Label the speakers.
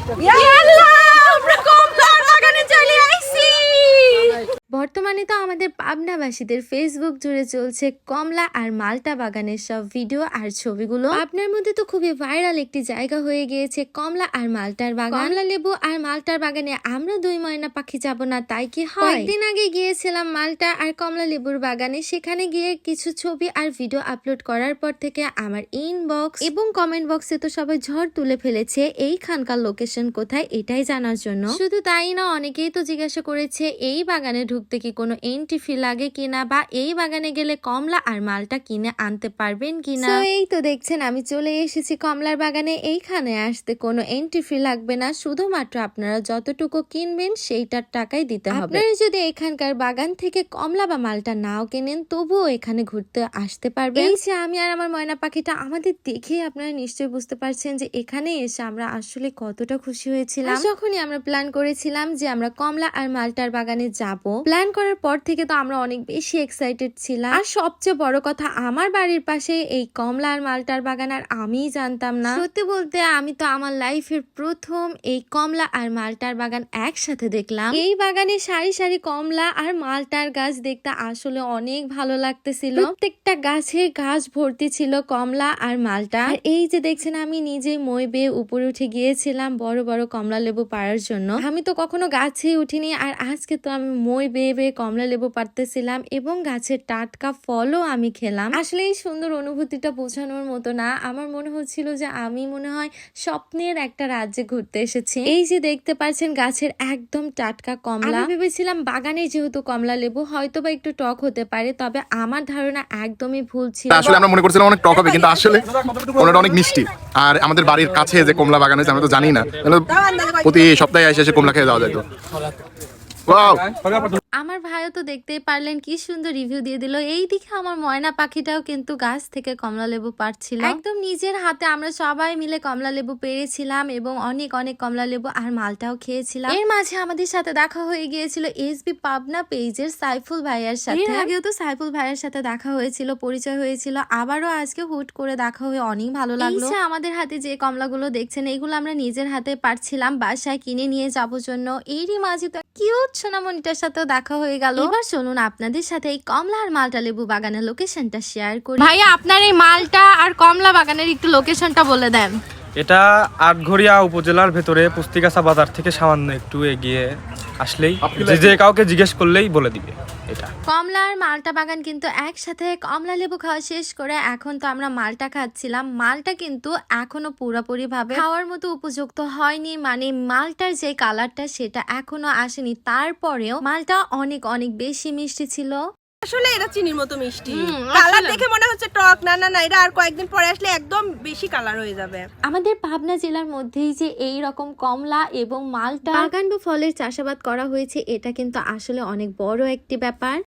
Speaker 1: বর্তমানে তো আমাদের পাবনাবাসীদের ফেসবুক জুড়ে চলছে কমলা আর মাল্টা বাগানের সব ভিডিও আর ছবিগুলো। আপনার মধ্যে তো খুবই ভাইরাল একটি জায়গা হয়ে গিয়েছে কমলা আর মাল্টার বাগান। কমলা লেবু আর মাল্টার বাগানে আমরা দুই ময়না পাখি যাব না তাই কি হয়? কয়েকদিন আগে গিয়েছিলাম মাল্টা আর কমলা লেবুর বাগানে। সেখানে গিয়ে কিছু ছবি আর ভিডিও আপলোড করার পর থেকে আমার ইনবক্স এবং কমেন্ট বক্সে তো সবাই ঝড় তুলে ফেলেছে এইখানকার লোকেশন কোথায় এটাই জানার জন্য। শুধু তাই না, অনেকেই তো জিজ্ঞাসা করেছে এই বাগানে ঢুকতে কি কোনো এন্ট্রি ফি লাগে কিনা, বা এই বাগানে গেলে কমলা আর মালটা কিনে আনতে পারবেন কিনা। এই তো দেখছেন আমি চলে এসেছি কমলার বাগানে। এইখানে আসতে কোনো এন্ট্রি ফি লাগবে না, শুধুমাত্র আপনারা যতটুকু কিনবেন সেইটার টাকাই দিতে হবে। আপনারা যদি এখানকার বাগান থেকে কমলা বা মালটা নাও কেনেন তবুও এখানে ঘুরতে আসতে পারবেন। এই যে আমি আর আমার ময়না পাখিটা, আমাদের দেখে আপনারা নিশ্চয়ই বুঝতে পারছেন যে এখানে এসে আমরা আসলে কতটা খুশি হয়েছিলাম। যখনই আমরা প্ল্যান করেছিলাম যে আমরা কমলা আর মালটার বাগানে যাব, প্ল্যান করার পর থেকে তো আমরা অনেক বেশি এক্সাইটেড ছিলাম। আর সবচেয়ে বড় কথা, আমার বাড়ির পাশে এই কমলা আর মালটার বাগান, আর আমিই জানতাম না। সত্যি বলতে আমি তো আমার লাইফের প্রথম এই কমলা আর মালটার বাগান একসাথে দেখলাম। এই বাগানে সারি সারি কমলা আর মালটার গাছ দেখতে আসলে অনেক ভালো লাগতেছিল। প্রত্যেকটা গাছের গাছ ভর্তি ছিল কমলা আর মালটা। আর এই যে দেখছেন আমি নিজে মই বেয়ে উপরে উঠে গিয়েছিলাম বড় বড় কমলা লেবু পাড়ার জন্য। আমি তো কখনো গাছে উঠিনি, আর আজকে তো আমি মই বেয়ে বেয়ে কমলা লেবু পাড়তেছিলাম এবং গাছের টাটকা ফলও আমি খেলাম। আসলে এই সুন্দর অনুভূতিটা বোঝানোর মতো না। আমার মনে হচ্ছিল যে আমি মনে হয় স্বপ্নের একটা রাজ্যে ঘুরতে এসেছি। এই যে দেখতে পাচ্ছেন গাছের একদম টাটকা কমলা। আমি ভেবেছিলাম বাগানে যেহেতু কমলা লেবু হয়তো বা একটু টক হতে পারে, তবে আমার ধারণা একদমই ভুল ছিল।
Speaker 2: আসলে আমরা মনে করছিলাম অনেক টক হবে, কিন্তু আসলে কমলাটা অনেক মিষ্টি। আর আমাদের বাড়ির কাছে যে কমলা বাগান হয়েছে আমরা তো জানি না, প্রতি সপ্তাহে এসে কমলা খেয়ে যাওয়া যেত।
Speaker 1: আমার ভাইও তো দেখতেই পারলেন কি সুন্দর রিভিউ দিয়ে দিল। এই দিকে আমার ময়না পাখিটাও কিন্তু গাছ থেকে কমলা লেবু পাড়ছিল একদম নিজের হাতে। আমরা সবাই মিলে কমলা লেবু পেরেছিলাম এবং অনেক অনেক কমলা লেবু আর মালটাও খেয়েছিলাম। এর মাঝে আমাদের সাথে দেখা হয়ে গিয়েছিল এসবি পাবনা পেজের সাইফুল ভাইয়ার সাথে। এর আগেও তো সাইফুল ভাইয়ার সাথে দেখা হয়েছিল, পরিচয় হয়েছিল, আবারও আজকে হুট করে দেখা হয়ে অনেক ভালো লাগলো। আমাদের হাতে যে কমলাগুলো দেখছেন এইগুলো আমরা নিজের হাতে পারছিলাম বাসায় কিনে নিয়ে যাবো জন্য। এরই মাঝে তো কিউট সোনামণিটার সাথে দেখা হয়ে গেল। এবার চলুন আপনাদের সাথে এই কমলা আর মালটা লেবু বাগানের লোকেশনটা শেয়ার করি। ভাইয়া আপনার এই মালটা আর কমলা বাগানের একটু লোকেশনটা বলে দেন।
Speaker 3: এটা আটঘরিয়া উপজেলার ভেতরে পুস্তিকাছা বাজার থেকে সামান্য একটু এগিয়ে আসলেই যে কাউকে জিজ্ঞেস করলেই বলে দিবে। এটা
Speaker 1: কমলা আর মালটা বাগান কিন্তু একসাথে। কমলা লেবু খাওয়া শেষ করে এখন তো আমরা মালটা খাচ্ছিলাম। মালটা কিন্তু এখনো পুরোপুরি ভাবে খাওয়ার মতো উপযুক্ত হয়নি, মানে মালটার যে কালারটা সেটা এখনো আসেনি। তারপরেও মালটা অনেক অনেক বেশি মিষ্টি ছিল।
Speaker 4: আসলে এটা চিনির মতো মিষ্টি। কালার দেখে মনে হচ্ছে টক, না না না, এটা আর কয়েকদিন পরে আসলে একদম বেশি কালার হয়ে যাবে।
Speaker 1: আমাদের পাবনা জেলার মধ্যেই যে এই রকম কমলা এবং মালটা বাগান বা ফলের চাষাবাদ করা হয়েছে, এটা কিন্তু আসলে অনেক বড় একটি ব্যাপার।